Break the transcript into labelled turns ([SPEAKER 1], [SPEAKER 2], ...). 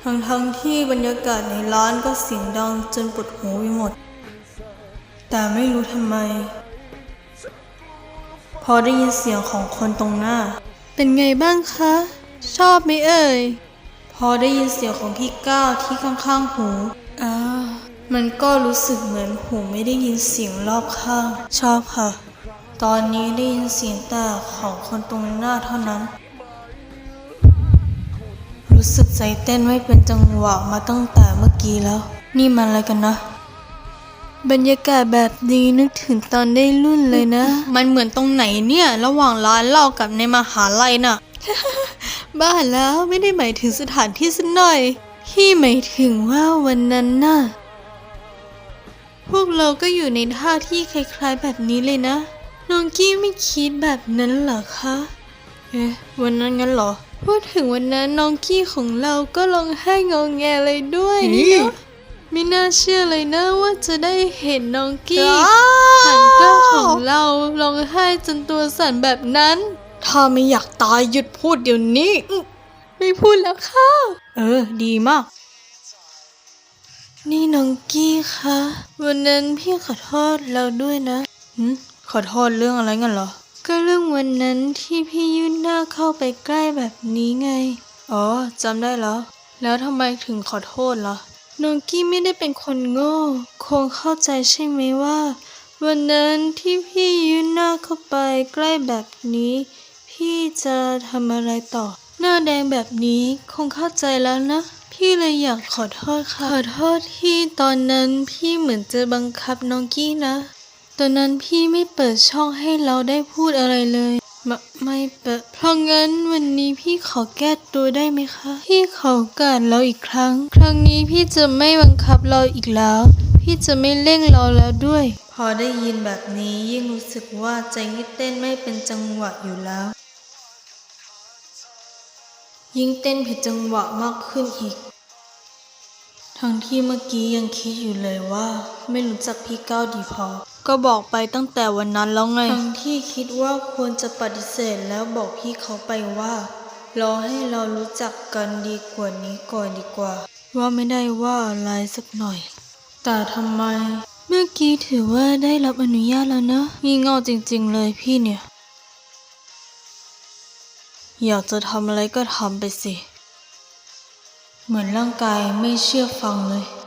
[SPEAKER 1] ทั้งที่บรรยากาศในร้านก็เสียงดังจนปวดหูไปหมดแต่ไม่รู้ทำไมพอได้ยินเสียงของคนตรงหน้าเป็นไงบ้างคะชอบไหมเอ่ยพอได้ยินเสียงของพี่ก้าวที่ข้างๆหูมันก็รู้สึกเหมือนหูไม่ได้ยินเสียงรอบข้างชอบค่ะตอนนี้ได้ยินเสียงแต่ของคนตรงหน้าเท่านั้นรู้สึกใจเต้นไม่เป็นจังหวะมาตั้งแต่เมื่อกี้แล้วนี่มันอะไรกันนะบรรยากาศแบบนี้นึกถึงตอนได้รุ่นเลยนะมันเหมือนตรงไหนเนี่ยระหว่างร้านเหล้ากับในมหาลัยน่ะ บ้าแล้วไม่ได้หมายถึงสถานที่สักหน่อยพี่หมายถึงว่าวันนั้นน่ะพวกเราก็อยู่ในท่าที่คล้ายๆแบบนี้เลยนะน้องกี้ไม่คิดแบบนั้นเหรอคะวันนั้นงั้นเหรอพูดถึงวันนั้นน้องกี้ของเราก็ร้องไห้งอแงเลยด้วยนี่เนาะไม่น่าเชื่อเลยนะว่าจะได้เห็นน้องกี้หันกล้าของเราร้องไห้จนตัวสั่นแบบนั้นถ้าไม่อยากตายหยุดพูดเดี๋ยวนี้ไม่พูดแล้วค่ะดีมากนี่น้องกี้คะวันนั้นพี่ขอโทษเราด้วยนะขอโทษเรื่องอะไรงั้นเหรอก็เรื่องวันนั้นที่พี่ยื่นหน้าเข้าไปใกล้แบบนี้ไงจำได้แล้วทำไมถึงขอโทษล่ะน้องกี้ไม่ได้เป็นคนโง่คงเข้าใจใช่ไหมว่าวันนั้นที่พี่ยื่นหน้าเข้าไปใกล้แบบนี้พี่จะทำอะไรต่อหน้าแดงแบบนี้คงเข้าใจแล้วนะพี่เลยอยากขอโทษค่ะขอโทษที่ตอนนั้นพี่เหมือนจะบังคับน้องกี้นะตอนนั้นพี่ไม่เปิดช่องให้เราได้พูดอะไรเลยไม่เปิดเพราะงั้นวันนี้พี่ขอแก้ตัวได้ไหมคะพี่ขอโอกาสเราอีกครั้งนี้พี่จะไม่บังคับเราอีกแล้วพี่จะไม่เร่งเราแล้วด้วยพอได้ยินแบบนี้ยิ่งรู้สึกว่าใจที่เต้นไม่เป็นจังหวะอยู่แล้วยิ่งเต้นผิดจังหวะมากขึ้นอีกทั้งที่เมื่อกี้ยังคิดอยู่เลยว่าไม่รู้จักพี่ก้าวดีพอก็บอกไปตั้งแต่วันนั้นแล้วไงทั้งที่คิดว่าควรจะปฏิเสธแล้วบอกพี่เขาไปว่ารอให้เรารู้จักกันดีกว่านี้ก่อนดีกว่าว่าไม่ได้ว่าอะไรสักหน่อยแต่ทำไมเมื่อกี้ถือว่าได้รับอนุญาตแล้วนะงี่เง่าจริงๆเลยพี่เนี่ยอยากจะทำอะไรก็ทำไปสิเหมือนร่างกายไม่เชื่อฟังเลย